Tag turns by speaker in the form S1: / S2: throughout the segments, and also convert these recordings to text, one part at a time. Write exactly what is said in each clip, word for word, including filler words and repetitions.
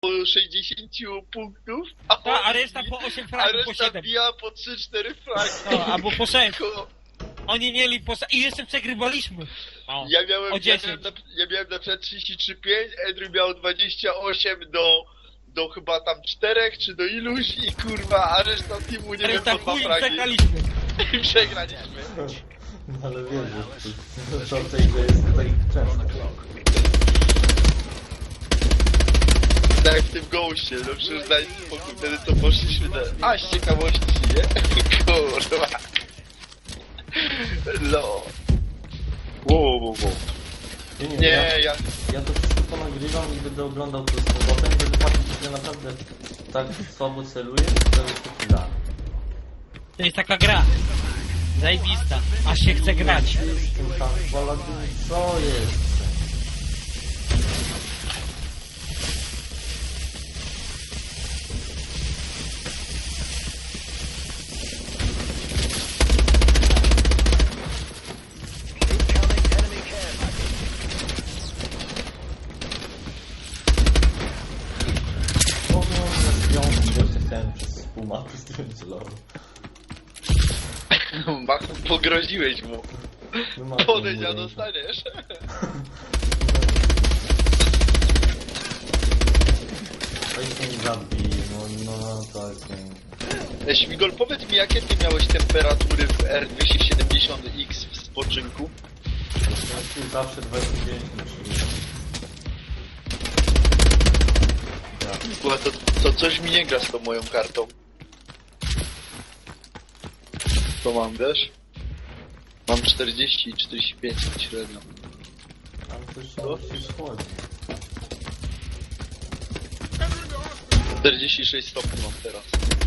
S1: sześćdziesiąt punktów, a,
S2: Ta, a reszta po osiem
S1: a
S2: fragów, po
S1: reszta
S2: siedem.
S1: bija po trzy cztery fragi.
S2: No, albo po sześć.
S1: Ko-
S2: Oni mieli po sześć. I jeszcze przegrywaliśmy. O,
S1: Ja miałem,
S2: o
S1: ja
S2: dziesięć.
S1: miałem, na, ja miałem na przykład trzydzieści trzy pięć, Edry miał dwadzieścia osiem do, do chyba tam czterech, czy do iluś i kurwa, a reszta teamu nie wiem,
S2: Reszta
S1: po dwa
S2: chuj,
S1: fragi.
S2: przegraliśmy.
S1: I przegraliśmy.
S3: No ale wiesz, że to w tej grze jest tak często.
S1: Tak jak w tym goście, no przecież daj spokój, wtedy to poszliśmy na... A, z ciekawości, nie? Kurwa. No. Wow, wow, wow.
S3: Nie, nie,
S1: Nie,
S3: ja,
S1: ja...
S3: ja to wszystko ponagrywam i będę oglądał to z powrotem, żeby patrzeć, że naprawdę tak słabo celuję, to jest taki gra.
S2: To jest taka gra. Zajebista. Aż się chce grać.
S3: Z tym tam Paladin, co jest? O, no, ja jeszcze chciałem przez pół mapy z tym celował.
S1: Machu, pogroziłeś mu.
S3: No, mapy
S1: Podejdź,
S3: mu
S1: a
S3: ręka.
S1: dostaniesz.
S3: To się nie zabij, no, no, to jest nie...
S1: E, Śmigol, powiedz mi, jakie ty miałeś temperatury w R dwieście siedemdziesiąt X w spoczynku?
S3: Ja zawsze dwadzieścia dziewięć na trzydzieści.
S1: Bo to, to coś mi nie gra z tą moją kartą. To mam, wiesz? Mam czterdzieści i czterdzieści pięć średnio.
S3: Tam coś się schodzi.
S1: czterdzieści sześć stopni mam teraz.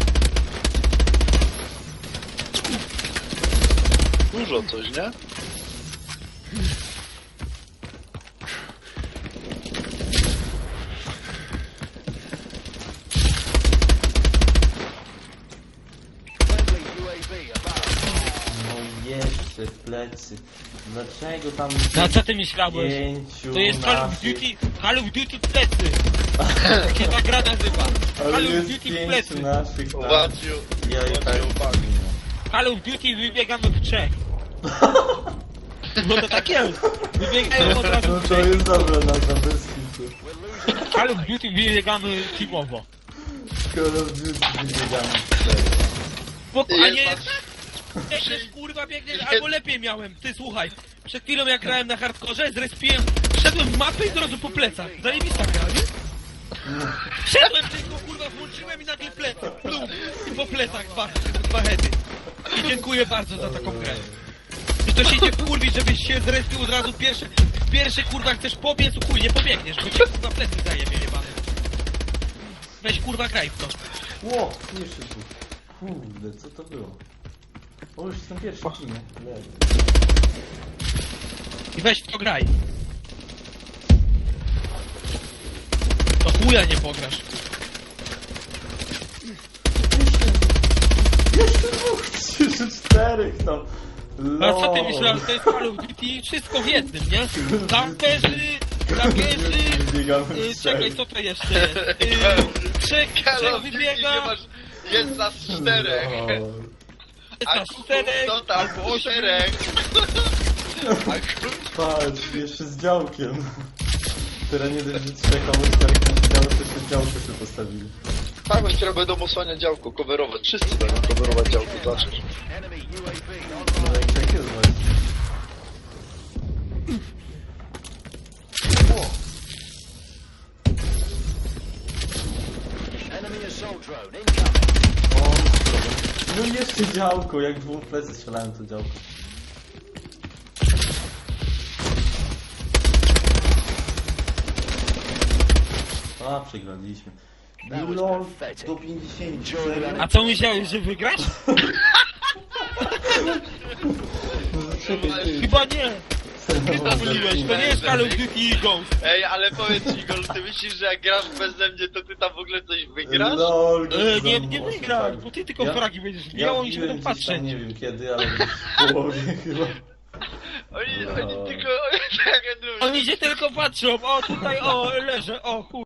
S1: Dużo coś, nie?
S3: No jeszcze w plecy. Dlaczego tam...
S2: No co ty myślałeś?
S3: Pięciu
S2: To jest Call of
S3: naszych-
S2: Duty, Call of Duty w plecy. Jak się ta gra nazywa.
S3: Ale
S2: Call of
S3: jest
S2: Duty w
S3: pięciu
S2: plecy.
S3: naszych tam.
S1: Wadziu,
S3: Ja i tak...
S2: Call of Duty wybiegamy w trzech. No to tak jest. Wybiegają od razu
S3: No
S2: w
S3: to
S2: trzech.
S3: jest dobra nazwa, bez kitu.
S2: Call of Duty wybiegamy teamowo.
S3: Call of Duty wybiegamy w trzech.
S2: Bo, a
S1: Jest
S2: nie,
S1: nas-
S2: biegniesz, kurwa, biegniesz,
S1: Jest-
S2: albo lepiej miałem. Ty, słuchaj, przed chwilą jak grałem na hardkorze, zrespiłem, wszedłem w mapę i od razu po plecach. Zajebista gra, nie? Wszedłem tylko, kurwa, włączyłem i nagle plecy, plum, i po plecach dwa, dwa heady. I dziękuję bardzo za taką grę. I to się nie kurwi, żebyś się zrespił od razu pierwsze, pierwsze, kurwa, chcesz pobiec, chuj, nie pobiegniesz, bo cię, kurwa, plecy zajebie, jebany. Weź, kurwa, graj w to.
S3: Ło, jeszcze tu. Kurde, co to było? O, już jestem pierwszy w teamie. Leży.
S2: I weź w to graj. To chuja nie pograsz.
S3: Jeszcze dwóch, trzy, czterech tam.
S2: A co ty
S3: Lol.
S2: myślałeś, to jest Call of Duty wszystko w jednym, nie? Kamperzy, kamperzy,
S3: Wybiegamy w
S2: y,
S3: trzech.
S2: czekaj, co to jeszcze jest? Y, trzech,
S1: Call
S2: trzech
S1: of Duty
S2: wybiega,
S1: nie masz... Jest nas czterech.
S3: Lol.
S2: jest
S1: A
S2: nas
S1: kuku,
S2: czterech,
S1: to tam
S2: albo osiem.
S1: czterech. A kuku...
S3: Patrz, jeszcze z działkiem. Teraz nie dość, że trzech amerykanów na działo, to jeszcze działko sobie postawili.
S1: Tak, oni teraz będą osłaniać działko, coverować. Wszyscy będą coverować działko, zobaczysz.
S3: No i tak jest właśnie. O, no jeszcze działko, jak dwóch plecy strzelałem to działko. A, przegraliśmy. Lol, do pięćdziesięciu.
S2: A co myślałeś, że wygrasz?
S3: Czekaj, ty.
S2: Chyba nie. Chyba myliłeś, to nie jest Call of Duty Ghost.
S1: Ej, ale powiedz mi, Igor, ty myślisz, że jak grasz beze mnie, to ty tam w ogóle coś wygrasz?
S3: Lol,
S2: E, nie,
S3: za
S2: nie
S3: mocno,
S2: wygrasz,
S3: tak.
S2: bo ty tylko
S3: Ja-
S2: fragi będziesz
S3: Ja
S2: miał i się
S3: wbiłem
S2: będą
S3: gdzieś
S2: patrzeć.
S3: tam, nie wiem kiedy, ale w połowie chyba.
S1: Oni,
S3: No.
S1: oni tylko... Tak, jak
S2: Oni się tylko patrzą, o tutaj, o leżę, o chuj.